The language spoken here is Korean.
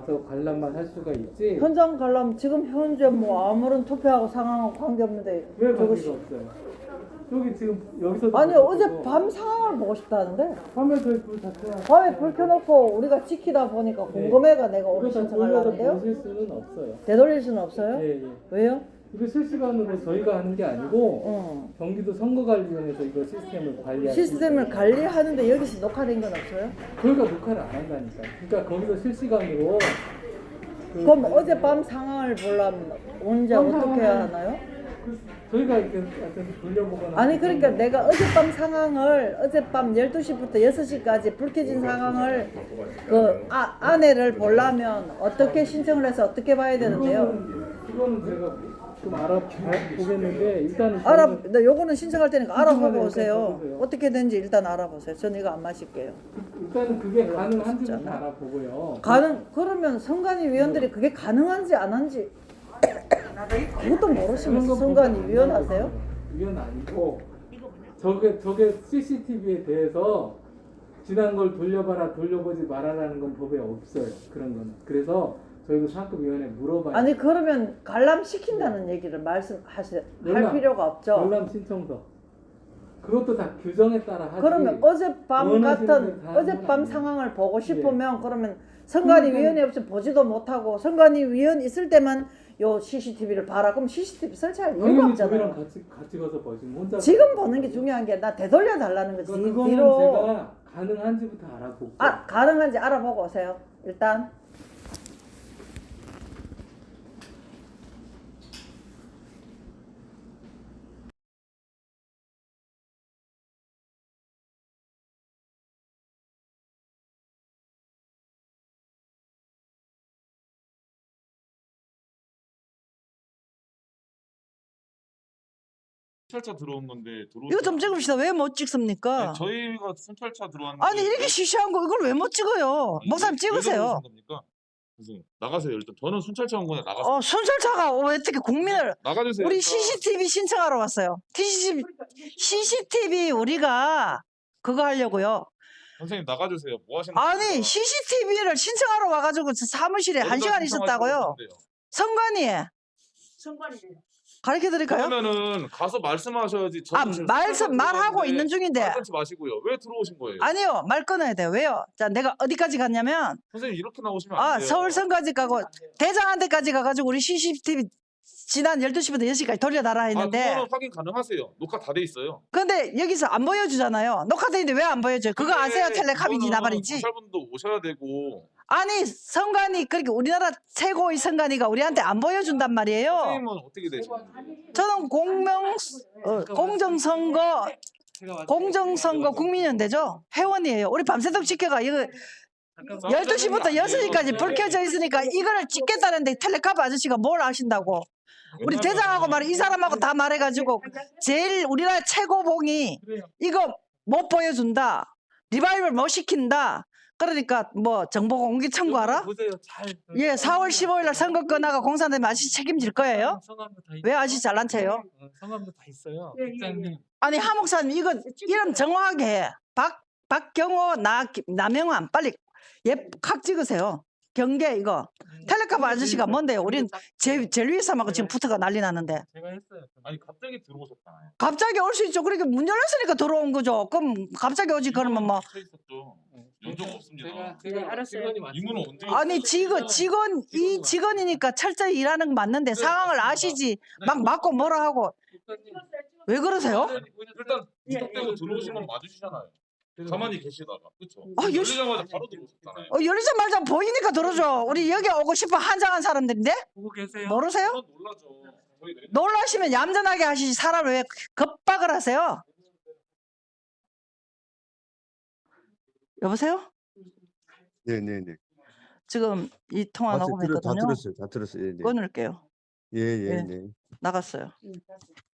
와서 관람만 할 수가 있지. 현장 관람 지금 현재 뭐 아무런 투표하고 상황하고 관계없는데 왜 저거 관계가 없어요? 저기 지금 여기서도 아니 보고 어제 밤 상황을 보고 싶다는데 밤에 저희 불다 켜요. 밤에 불 켜놓고 우리가 지키다 보니까 궁금해가 내가 오늘 이거 다 신청하려는데요. 보실 수는 없어요. 되돌릴 수는 없어요? 예, 예. 왜요? 이거 실시간으로 저희가 하는 게 아니고 응. 경기도 선거관리위원회에서 이거 시스템을 관리하는 시스템을 관리하는데 여기서 녹화된 건 없어요? 저희가 녹화를 안 한다니까. 그러니까 거기서 실시간으로 그럼 어젯밤 상황을 보려면 언제 어떻게 해야 하나요? 저희가 이렇게 하여튼 돌려보거나 아니 그러니까 내가 어젯밤 상황을 어젯밤 12시부터 6시까지 불 켜진 상황을 그 아내를 보려면 어떻게 신청을 해서 어떻게 봐야 되는데요? 그거는 제가 좀 알아보겠는데 일단은 나 요거는 신청할 테니까 알아보고 일단 오세요. 봐보세요. 어떻게 되는지 일단 알아보세요. 전 이거 안 마실게요. 일단은 그게 가능한지부터 알아보고요. 그러면 선관위 위원들이 그게 가능한지 안 한지 그것도 모르시면서 그런 선관위 것보다 위원 하세요? 위원 아니고 저게 CCTV에 대해서 지난 걸 돌려봐라 돌려보지 말아라는 건 법에 없어요. 그런 거는. 그래서 저희도 상급위원회에 물어봐야 아니 그러면 관람시킨다는 얘기를 할 필요가 없죠. 열람 신청서 그것도 다 규정에 따라 하지. 그러면 어젯밤 원하시는 같은 대로 다 하는 건 어젯밤 아니에요. 상황을 보고 싶으면 그러면 선관위 그러니까- 위원회 없이 보지도 못하고 선관위 위원 있을 때만 요 CCTV를 봐라. 그럼 CCTV 설치할 이유가 당연히 저희랑 없잖아요. 같이 가서 보시면 혼자 지금 보는 게 중요한 게 나 되돌려 달라는 거지. 그거는 뒤로 제가 가능한지부터 알아보고 가능한지 알아보고 오세요. 일단 순찰차 들어온 건데 이거 좀 찍읍시다. 왜 못 찍습니까? 아니, 저희가 순찰차 들어왔는데 아니 이렇게 시시한 거 이걸 왜 못 찍어요? 목사님 찍으세요. 겁니까? 선생님 나가세요. 일단 저는 순찰차 온 거냐 나가세요. 순찰차가 어떻게 국민을 나가주세요. 우리 일단. CCTV 신청하러 왔어요. CCTV 우리가 그거 하려고요. 선생님 나가주세요. 뭐 하시는 아니 겁니까? CCTV를 신청하러 와가지고 사무실에 어디다 1시간 신청하시고 있었다고요. 오셨는데요? 선관위에 가르쳐 드릴까요? 그러면은 가서 말씀하셔야지. 저는 지금 말하고 들어왔는데 있는 중인데. 말 끊지 마시고요. 왜 들어오신 거예요? 아니요, 말 끊어야 돼요. 왜요? 자, 내가 어디까지 갔냐면 선생님 이렇게 나오시면 안 돼요. 서울선까지 가고 대장한테까지 가가지고 우리 CCTV 지난 12시부터 6시까지 돌려달라 했는데 그거는 확인 가능하세요. 녹화 다 돼 있어요. 근데 여기서 안 보여주잖아요. 녹화돼 있는데 왜 안 보여줘요? 그거 아세요? 텔레카빈이 나발이지. 경찰분도 오셔야 되고. 아니 선관위 그렇게 우리나라 최고의 선관위가 우리한테 안 보여준단 말이에요. 선생님은 어떻게 되시는지. 저는 공정선거 국민연대죠. 회원이에요. 우리 밤새도록 지켜가 이거 12시부터 6시까지 불 켜져 있으니까 이거를 찍겠다는데 텔레카브 아저씨가 뭘 아신다고. 우리 대장하고 말해 이 사람하고 다 말해가지고 제일 우리나라 최고봉이 이거 못 보여준다. 리바이벌 못 시킨다. 그러니까 뭐 정보 공개 청구하라? 보세요. 잘. 예, 4월 15일 날 선거 끝나가 공산당이 아저씨 책임질 거예요? 성함도 다 왜 아저씨 잘난 체요? 성함도 다 있어요. 국장님. 아니 하 목사님 이거 이름 정확하게 해. 박경호 나명환 빨리 각 찍으세요. 경계 이거 텔레카브 아저씨가 뭔데요? 우린 제일 위에 사람하고 지금 붙어가 난리 났는데 제가 했어요. 아니 갑자기 들어오셨잖아요. 갑자기 올 수 있죠. 그러니까 문 열렸으니까 들어온 거죠. 그럼 갑자기 오지 그러면 뭐 쳐 있었죠. 연적 없습니다. 제가 알았어요. 이문은 언제? 아니 이 직원이니까 철저히 일하는 건 맞는데 상황을 아시지 막 맞고 뭐라 하고 왜 그러세요? 일단 무턱대고 들어오신 건 맞으시잖아요. 가만히 계시다가 그렇죠. 아, 열리자마자 바로 들어오셨잖아요. 열리자마자 보이니까 들어줘. 우리 여기 오고 싶어 한장한 사람들인데 보고 계세요. 모르세요? 저는 놀라죠. 저희 내리- 놀라시면 얌전하게 하시지 사람을 왜 겁박을 하세요? 여보세요? 네네네. 지금 이 통화 다 녹음했거든요. 들었어요. 다 들었어요. 네. 끊을게요. 예, 예, 예. 네. 나갔어요.